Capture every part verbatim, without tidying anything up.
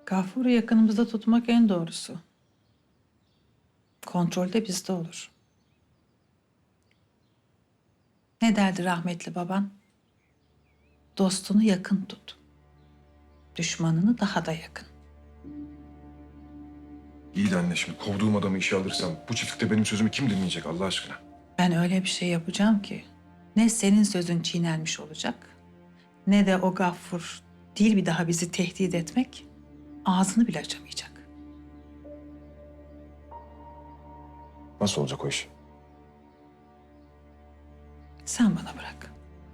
Gafur'u yakınımızda tutmak en doğrusu. Kontrol de bizde olur. Ne derdi rahmetli baban? Dostunu yakın tut. Düşmanını daha da yakın. İyi de anne, şimdi kovduğum adamı işe alırsam bu çiftlikte benim sözümü kim dinleyecek Allah aşkına? Ben öyle bir şey yapacağım ki ne senin sözün çiğnenmiş olacak ne de o Gaffur değil bir daha bizi tehdit etmek ağzını bile açamayacak. Nasıl olacak o iş? Sen bana bırak.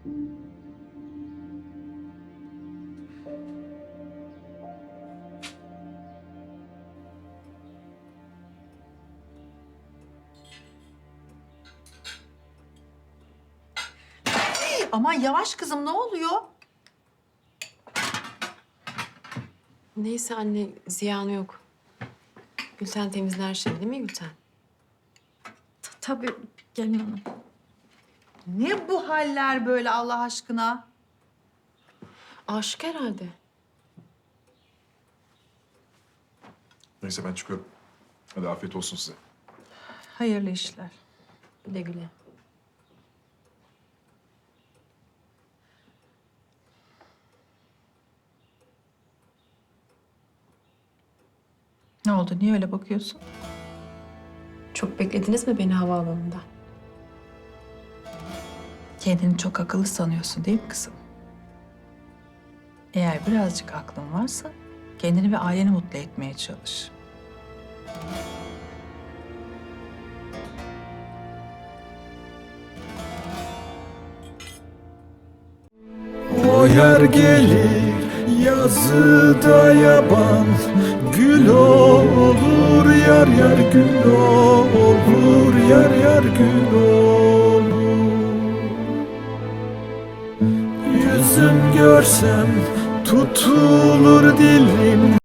Aman yavaş kızım, ne oluyor? Neyse anne, ziyanı yok. Gülten temizler şimdi değil mi Gülten? Tabii gelin hanım. Ne bu haller böyle Allah aşkına? Aşık herhalde. Neyse ben çıkıyorum. Hadi afiyet olsun size. Hayırlı işler. Güle güle. Ne oldu? Niye öyle bakıyorsun? Çok beklediniz mi beni havaalanında? Kendini çok akıllı sanıyorsun değil mi kızım? Eğer birazcık aklın varsa kendini ve aileni mutlu etmeye çalış. O yer gelir yazıda yaban, gül olur yar yar gül olur yar yar gül olur. Yüzüm görsem tutulur dilim.